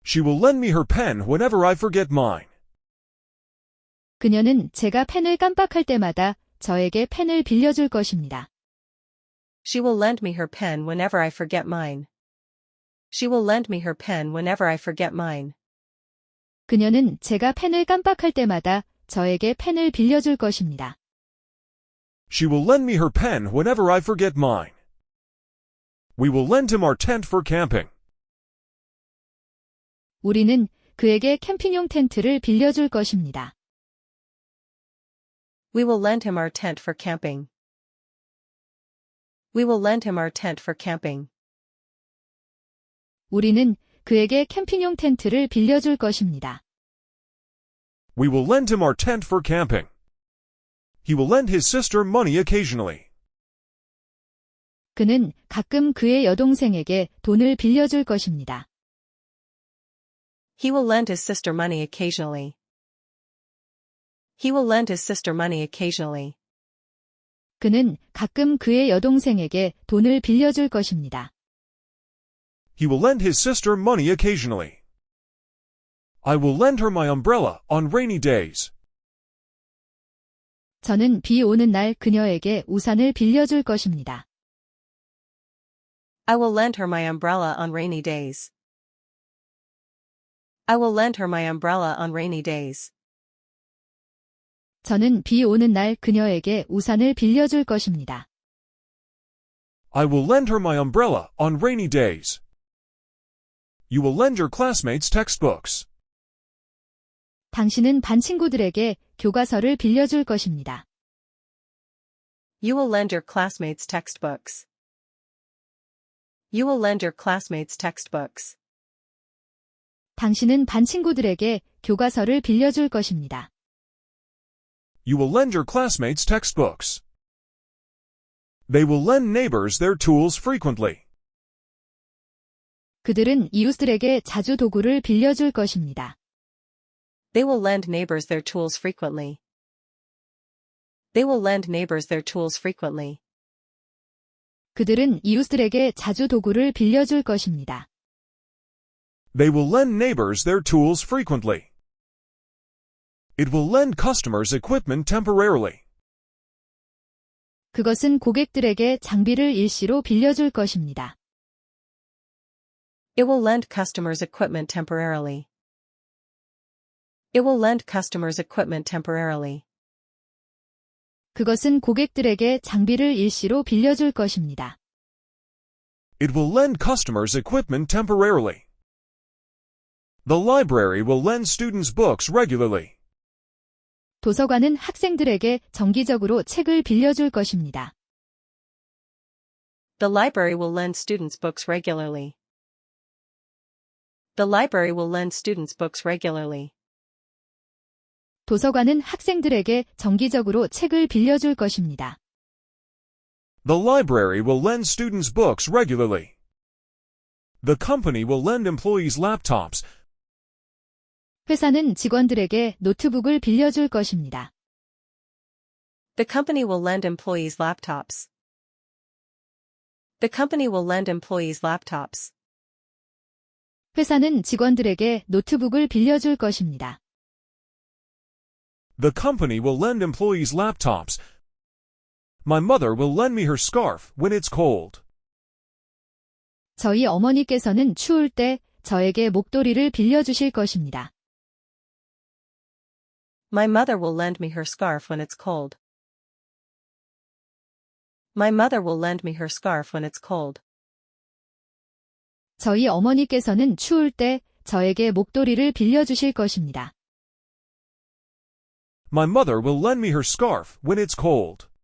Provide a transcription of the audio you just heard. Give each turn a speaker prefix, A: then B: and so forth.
A: She will lend me her pen whenever I forget mine.
B: 그녀는 제가 펜을 깜빡할 때마다 저에게 펜을 빌려줄 것입니다.
C: She will lend me her pen whenever I forget mine. She will lend me her pen whenever I forget mine.
B: 그녀는 제가 펜을 깜빡할 때마다 저에게 펜을 빌려줄 것입니다.
A: She will lend me her pen whenever I forget mine. We will lend him our tent for camping.
B: 우리는 그에게 캠핑용 텐트를 빌려줄 것입니다.
C: We will lend him our tent for camping. We will lend him our tent for camping.
B: 우리는 그에게 캠핑용 텐트를 빌려줄 것입니다.
A: We will lend him our tent for camping. He will lend his sister money occasionally.
B: 그는 가끔 그의 여동생에게 돈을 빌려줄 것입니다.
C: He will lend his sister money occasionally. He will lend his sister money occasionally.
B: 그는 가끔 그의 여동생에게 돈을 빌려줄 것입니다.
A: He will lend his sister money occasionally. I will lend her my umbrella on rainy days.
B: 저는 비 오는 날 그녀에게 우산을 빌려줄 것입니다.
C: I will lend her my umbrella on rainy days. I will lend her my umbrella on rainy days.
B: 저는 비 오는 날 그녀에게 우산을 빌려줄 것입니다.
A: I will lend her my umbrella on rainy days. You will lend your classmates textbooks.
B: 당신은 반 친구들에게 교과서를 빌려줄 것입니다.
C: You will lend your classmates textbooks. You will lend your classmates textbooks.
B: 당신은 반 친구들에게 교과서를 빌려줄 것입니다.
A: You will lend your classmates textbooks. They will lend neighbors their tools frequently.
B: 그들은 이웃들에게 자주 도구를 빌려줄 것입니다.
C: They will lend neighbors their tools frequently. They will lend neighbors their tools frequently.
B: 그들은 이웃들에게 자주 도구를 빌려줄 것입니다.
A: They will lend neighbors their tools frequently. It will lend customers equipment temporarily.
B: 그것은 고객들에게 장비를 일시로 빌려줄 것입니다.
C: It will lend customers equipment temporarily. It will lend customers equipment temporarily.
B: 그것은 고객들에게 장비를 일시로 빌려줄 것입니다.
A: It will lend customers equipment temporarily. The library will lend students books regularly.
B: 도서관은 학생들에게 정기적으로 책을 빌려줄 것입니다.
C: The library will lend students books regularly. The library will lend students books regularly.
B: 도서관은 학생들에게 정기적으로 책을 빌려줄 것입니다.
A: The library will lend students books regularly. The company will lend employees laptops.
B: 회사는 직원들에게 노트북을 빌려줄 것입니다.
C: The company will lend employees laptops. The company will lend employees laptops.
B: 회사는 직원들에게 노트북을 빌려줄 것입니다.
A: The company will lend employees laptops. My mother will lend me her scarf when it's cold.
B: 저희 어머니께서는 추울 때 저에게 목도리를 빌려주실 것입니다.
C: My mother will lend me her scarf when it's cold. My mother will lend me her scarf when it's cold.
B: 저희 어머니께서는 추울 때 저에게 목도리를 빌려주실 것입니다.
A: My mother will lend me her scarf when it's cold.